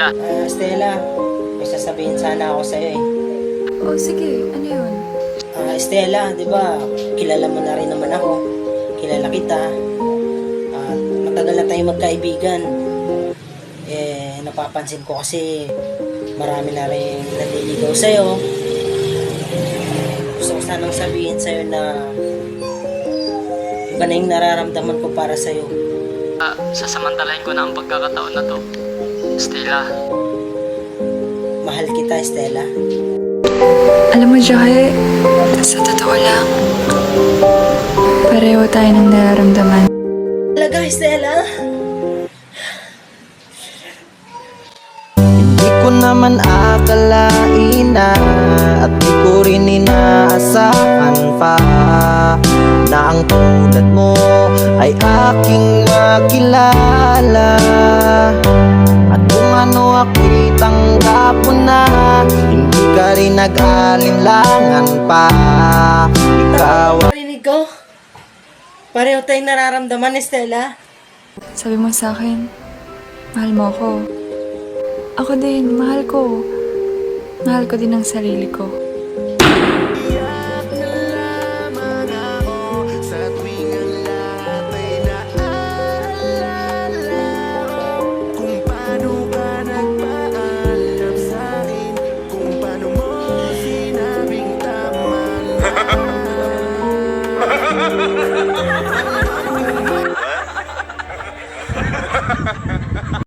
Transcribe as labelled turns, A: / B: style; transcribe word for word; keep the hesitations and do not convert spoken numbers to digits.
A: Stella.
B: Ah, Stella, may sasabihin sana ako sa'yo eh.
C: Oh, sige. Ano yun?
B: Ah, Stella, di ba, kilala mo na rin naman ako. Kilala kita. At matagal na tayong magkaibigan. Eh, napapansin ko kasi marami na rin nanliligaw sa'yo. Gusto ko sanang sabihin sa'yo na iba na yung nararamdaman ko para sa'yo.
A: Uh, sasamantalahin ko na ang pagkakataon na to. Stella.
B: Mahal kita, Stella.
C: Alam mo, Joy, sa totoo lang, pareho tayo ng nararamdaman.
B: Talaga, Stella?
D: Hindi ko naman akalain na at di ko rin inaasahan pa na ang tulad mo ay aking makilala. At kung ano ako'y tanggap mo na, hindi ka rin nag-alinlangan pa. Ikaw
B: Parinig ko? Pareho tayong nararamdaman, Stella.
C: Sabi mo sa akin, mahal mo ako. Ako din, mahal ko. Mahal ko din ang sarili ko.